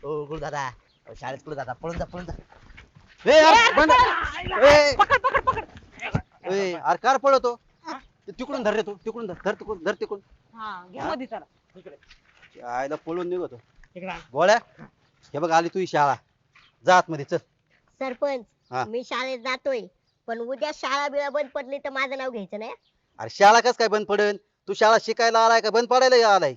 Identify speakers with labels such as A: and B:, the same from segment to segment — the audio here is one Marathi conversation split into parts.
A: ओ गुरुदादा शाळेत कुठे जाता पळून जा पळून जा.
B: ए यार बंद ए
C: पकड पकड पकड
B: ए अरे कार पळतो तिकडून धर रे तू तिकडून धर तिकडून
C: हा घ्या मध्ये चला
B: आयला पळून निघतो
C: इकडे आण.
B: गोळ्या हे बघ आली तुझी शाळा जा आतमध्ये चल हा.
D: सरपंच मी शाळेत जातोय पण उद्या शाळा बिळा बंद पडली तर माझं नाव घ्यायचं नाही.
B: अरे शाळा कस काय बंद पडेल तू शाळा शिकायला आलाय का बंद पडायला आलाय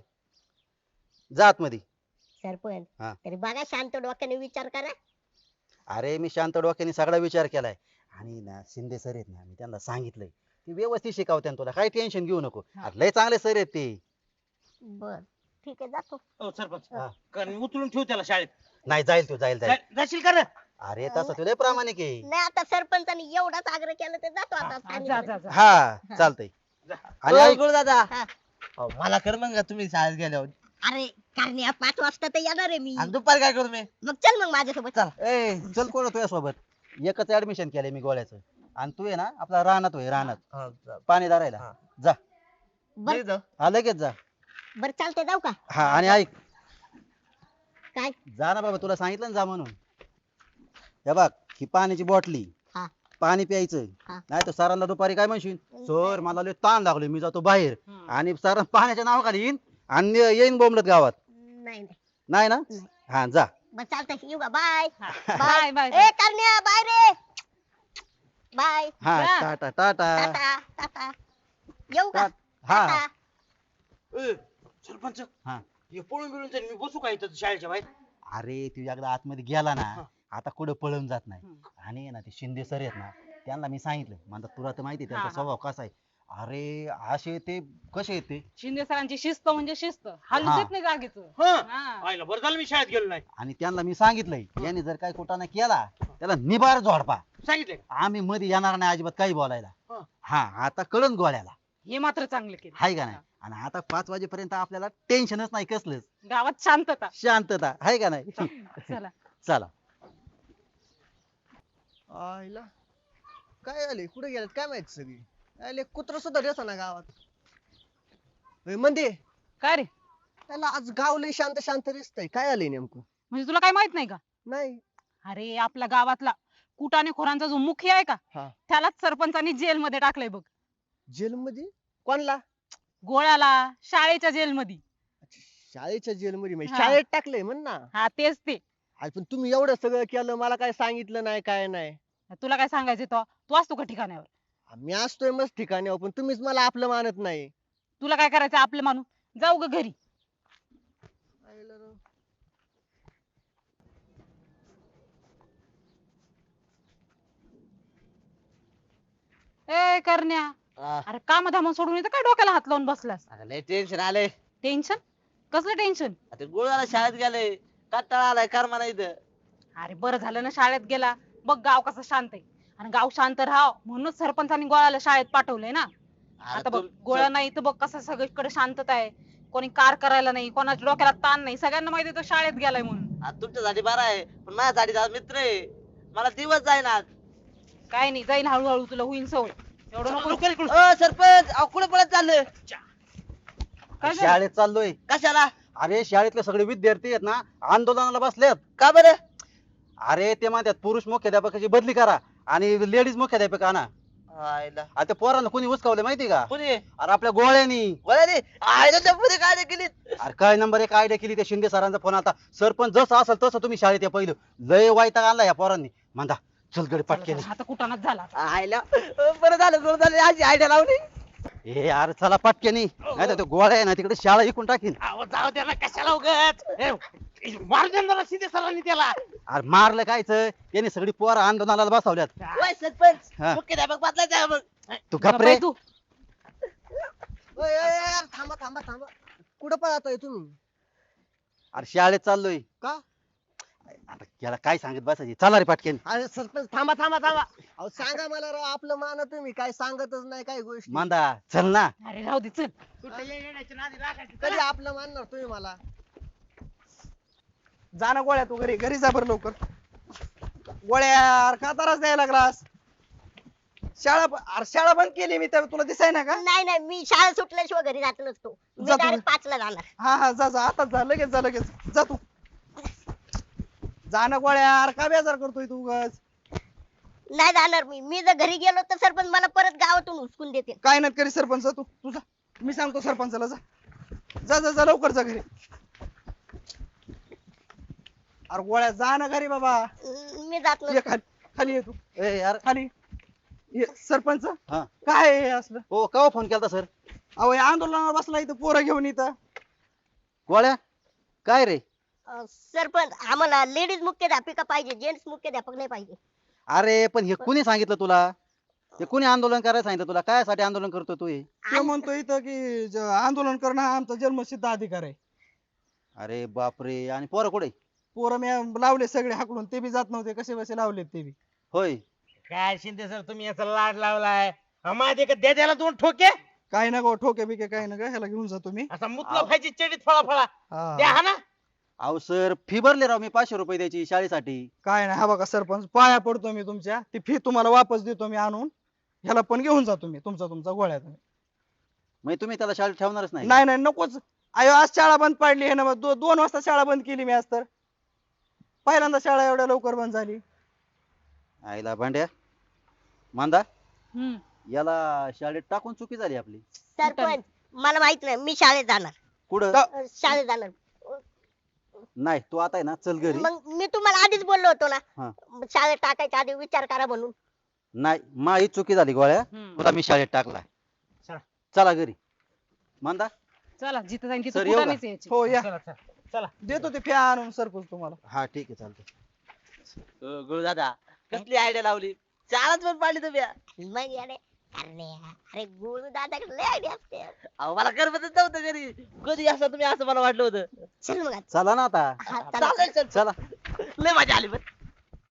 B: जा आतमध्ये
D: सरपंच
B: हा.
D: तरी बघा शांत डोक्याने विचार करा.
B: अरे मी शांत डोक्याने सगळा विचार केलाय आणि ना शिंदे सर आहेत ना मी त्यांना सांगितलंय ते व्यवस्थित शिकवत्यान तुला काही टेन्शन घेऊ नको अरे लय चांगले सर आहेत ते
D: बर ठीक आहे जातो.
A: ओ सरपंच
B: हा.
A: कारण उचलून ठेव त्याला शाळेत.
B: नाही जाईल तू जाईल
A: जाशील का रे?
B: अरे तसं तुला प्रामाणिक आहे
D: नाही आता सरपंचानी एवढाच आग्रह केला तर जातो आता
C: जा
D: सांगितलं.
C: जा जा
B: हा चालतंय आणि
A: ओ
B: ऐक,
A: गुरुदादा
D: हा.
A: मला कर मग का तुम्ही शाळेत गेल्यावर
D: अरे कारण या 5 वाजता तर येणार आहे मी.
A: आणि दुपारी काय करू मी?
D: मग चल मग माझ्यासोबत चल.
B: ए चल कोण तुझ्या सोबत एकच ऍडमिशन केलंय मी गोळ्याचं आणि तू आहे ना आपला रानात होय रानात पाणी धरायला
A: हा.
B: जा
D: बर
B: हा लगेच जा
D: बर चालतंय जाऊ का
B: हा आणि ऐक
D: काय
B: जा ना बाबा तुला सांगितलं ना जा म्हणून हे बघ ही पाण्याची बॉटली
D: हा.
B: पाणी प्यायचं
D: हा.
B: नाही तर सरांना दुपारी काय म्हणशील सर मला लय ताण लागलोय मी जातो बाहेर आणि सर पाण्याच्या नावाखाली येईन आणि येईन बोंबलत गावात
D: नाही नाही
B: नाही ना
D: नाही.
B: हा जा
D: बर चालतंय येऊ का बाय.
C: बाय बाय
D: ए करण्या बाय रे बाय
B: हा
C: जा.
B: टाटा टाटा
D: टाटा टाटा येऊ का
B: हा
D: टाटा.
A: ए, सरपंच
B: हा.
A: हे पळून बिळून जाईल मी बसू का इथं शाळेच्या बाहेर?
B: अरे तू एकदा आतमध्ये गेला ना आता कुठं पळून जात नाही आणि आहे ना ते शिंदे सर आहेत ना त्यांना मी सांगितलं म्हणतात तुला तर माहिती आहे त्यांचा
C: हा, हा.
B: स्वभाव कसा आहे अरे असे ते कसे आहेत ते
C: शिंदे सरांची शिस्त म्हणजे शिस्त हालू
B: हा.
C: देत नाही जागेच
A: हं. आईला बरं झालं मी शाळेत गेलो नाही.
B: आणि त्यांना मी सांगितलंय यांनी जर काही कुटाणा केला त्याला निबार झोडपा
A: सांगितलंय का?
B: आम्ही मध्ये येणार नाही अजिबात काही बोलायला
A: हा.
B: हा आता कळण गोळ्याला
C: हे मात्र चांगलं केलं
B: हाय का नाही आणि आता 5 वाजेपर्यंत आपल्याला टेन्शनच नाही कसलंच
C: गावात शांतता
B: शांतता हाय का नाही
C: चला
B: चला
E: आईला काय आले कुठे गेलेत काय माहित सगळी आले कुत्र सुद्धा दिसना ना गावात होय, मंदे
C: काय रे
E: त्याला आज गाव लय शांत शांत दिसतंय काय आलंय नेमकं
C: म्हणजे तुला काय माहित नाही का
E: नाही
C: अरे आपल्या गावातला कुटाने खोरांचा जो मुखी आहे का
E: हा.
C: त्यालाच सरपंचानी जेल मध्ये टाकलंय बघ
E: जेल मध्ये कोणला
C: गोळ्याला शाळेच्या जेल मध्ये
E: शाळेच्या जेल मध्ये म्हणजे
C: हा.
E: शाळेत टाकलंय म्हण ना
C: हा तेच ते
E: अरे पण तुम्ही एवढं सगळं केलं मला काय सांगितलं नाही काय नाही
C: तुला काय सांगायचं तो तू असतो का ठिकाणावर
E: मी असतोय मस्त ठिकाणी पण तुम्हीच मला आपलं मानत नाही
C: तुला काय करायचं आपलं मानून जाऊ ग घरी
E: आईला राव.
C: ए करण्या अरे काम धामून सोडून इथं काय डोक्याला हात लावून बसलास
A: लय टेन्शन आलंय.
C: टेन्शन कसलं टेन्शन
A: आता गुरुदादा शाळेत गेले कंटाळा आलाय कर म्हणा इथं.
C: अरे बरं झालं ना शाळेत गेला बघ गाव कसं शांत आहे आणि गाव शांत राहाव म्हणूनच सरपंचानी गोळ्याला शाळेत पाठवलंय ना आता बघ गोळ्या नाही तर बघ कसं सगळीकडे शांतता आहे कोणी कार करायला नाही कोणाच्या डोक्याला ताण नाही सगळ्यांना माहिती तो शाळेत गेलाय म्हणून
A: आता तुमच्यासाठी बरं आहे पण माझ्यासाठी दादा मित्र आहे मला दिवस जाईना.
C: काय नाही जाईल हळूहळू तुला होईल सवय एवढं नको
A: सरपंच अहो कुठे पळत चाललं?
C: काय झालं?
B: शाळेत चाललोय
A: कशाला?
B: अरे शाळेतले सगळे विद्यार्थी आहेत ना आंदोलनाला बसलेत
A: का बरं?
B: अरे ते म्हणतात पुरुष मुख्याध्यापकाची बदली करा आणि लेडीज मुख्याध्यापक आणा
A: आईला
B: आता त्या पोरांना कोणी उचकावलं माहिती का
A: कोणी?
B: अरे आपल्या गोळ्यानी
A: वळाली आईला डब्बूने काय केली?
B: अरे काय नंबर 1 आयडिया केली त्या शिंदे सरांचा फोन आता सरपंच जसं असेल तसं तुम्ही शाळेत या पहिलं लय वाईटाग आणला या पोरांनी म्हणता चल गडे पटकेली
C: आता कुठानाच झाला
A: आईला बरं झालं बरं झालं अशी आयडिया लावली.
B: ए यार चला पटकेनी नाही तर तो गोळ्या आहे ना तिकडे शाळा इकून टाकीन
A: अहो जाऊ द्या ना कशाला उगत मार देणार शिंदे सरांनी त्याला.
B: अरे मारलं कायचं त्यांनी सगळी पोरं आंदोलनाला बसवल्यात
A: वय सरपंच
B: हा.
A: मुख्याध्यापक बदलायचा मग.
B: तू घाबरे
C: तू
E: ओय, ओय, ओय, यार, थांबा थांबा थांबा कुठं पळताय तुम्ही
B: अरे शाळेत चाललोय
E: का
B: आता याला काय सांगत बसायची चला रे पटकेन
E: अरे सरपंच थांबा थांबा थांबा अहो सांगा मला राव आपलं मान तुम्ही काय सांगतच नाही काही गोष्टी
B: मांदा चल ना
C: अरे राहू दे चल
E: कधी आपलं मानणार तुम्ही मला
F: जा ना गोळ्या तू घरी घरी जा बरं लवकर गोळ्या अरे का त्रास द्यायला लागलास शाळा बंद केली मी तर तुला दिसाय ना का
D: नाही नाही मी शाळा सुटल्याशिवाय घरी जात नसतो मी
F: जा तुम्ही.
D: डायरेक्ट 5 ला जाणार.
F: हा जा जा आता जा लगेच जा जा तू जा ना गोळ्या अरे का बेजार करतोय तू उगाच
D: नाही जाणार मी जर घरी गेलो तर सरपंच मला परत गावातून हुसकून देते.
F: काय नाही करी सरपंच तू तुझा मी सांगतो सरपंचाला जा जा जा जा लवकर जा घरी अरे गोळ्या जा ना घरी बाबा
D: मी जात
F: ये
D: नसतो.
F: खाली ये तू
B: ए यार
F: खाली ये सरपंच
B: हा
F: काय आहे हे असलं
B: हो केव्हा फोन केलता सर?
F: अहो हे आंदोलनावर बसला इथं पोरं घेऊन इथं
B: गोळ्या काय रे?
D: सरपंच आम्हाला लेडीज मुख्याध्यापिका पाहिजे, जेंट्स मुख्याध्यापक नाही पाहिजे.
B: अरे पण हे कुणी सांगितलं तुला? हे कुणी आंदोलन करायला सांगितलं तुला? काय आंदोलन करतो तू हे?
F: ते म्हणतो इथं की आंदोलन करणं हा आमचा जन्मसिद्ध अधिकार आहे.
B: अरे बापरे आणि पोरं कुठे?
F: पोरं मी लावले सगळे हाकडून ते बी जात नव्हते कसे बसे लावलेत ते बी
B: होय
A: काय शिंदे सर तुम्ही याचा लाड लावलाय माझे का द्या त्याला 2 ठोके
F: काय ना गो ठोके बिके काय ना ग ह्याला घेऊन जातो मी
A: असा मुतला पाहिजे चडीत फळा फळा द्या
F: हा.
A: हा ना.
B: अहो सर फी भरले राव मी 500 रुपये द्यायची शाळेसाठी.
F: काय नाही हा बघा सरपंच पाया पडतो मी तुमच्या ती फी तुम्हाला वापस देतो मी आणून ह्याला पण घेऊन जातो मी तुमचा गोळ्या तुम्ही
B: मग तुम्ही त्याला शाळेत ठेवणारच नाही?
F: नाही नाही नकोच अयो आज शाळा बंद पाडली आहे ना 2 वाजता शाळा बंद केली मी आज तर पहिल्यांदा शाळा एवढ्या लवकर बंद झाली.
B: आईला भांड्या मांदा
C: हम्म.
B: याला शाळेत टाकून चुकी झाली आपली.
D: सरपंच मला माहित नाही, मी शाळेत जाणार.
B: कुठं?
D: शाळेत जाणार.
B: नाही तू आता आहे ना चल घरी.
D: मग मी तुम्हाला आधीच बोललो होतो
B: हा.
D: ना शाळेत टाकायच्या आधी विचार करा म्हणून.
B: नाही माझी चुकी झाली गोळ्या.
C: हम्म.
B: तुला मी शाळेत टाकला.
A: चला.
B: चला घरी. मांदा
C: चला जिथं जाईन
B: सर,
C: तिथं
B: येऊ का?
C: फुटाणेच यायचे.
F: हो या
A: चला चला चला.
F: देतो ते फी आणून सरपंच तुम्हाला.
B: हा ठीक आहे चालतंय.
G: गुरु दादा कसली आयडिया लावली चालच पण पाडली तुम्ही
D: मग येडे. अरे गुरु दादा लय आयडिया असते.
G: अहो मला करमतच नव्हतं घरी कधी असं तुम्ही असं मला वाटलं होतं
D: चल मग आता.
B: चला ना आता.
D: हा, चला.
G: चालेल चल
B: चला.
G: लय मजा आली पण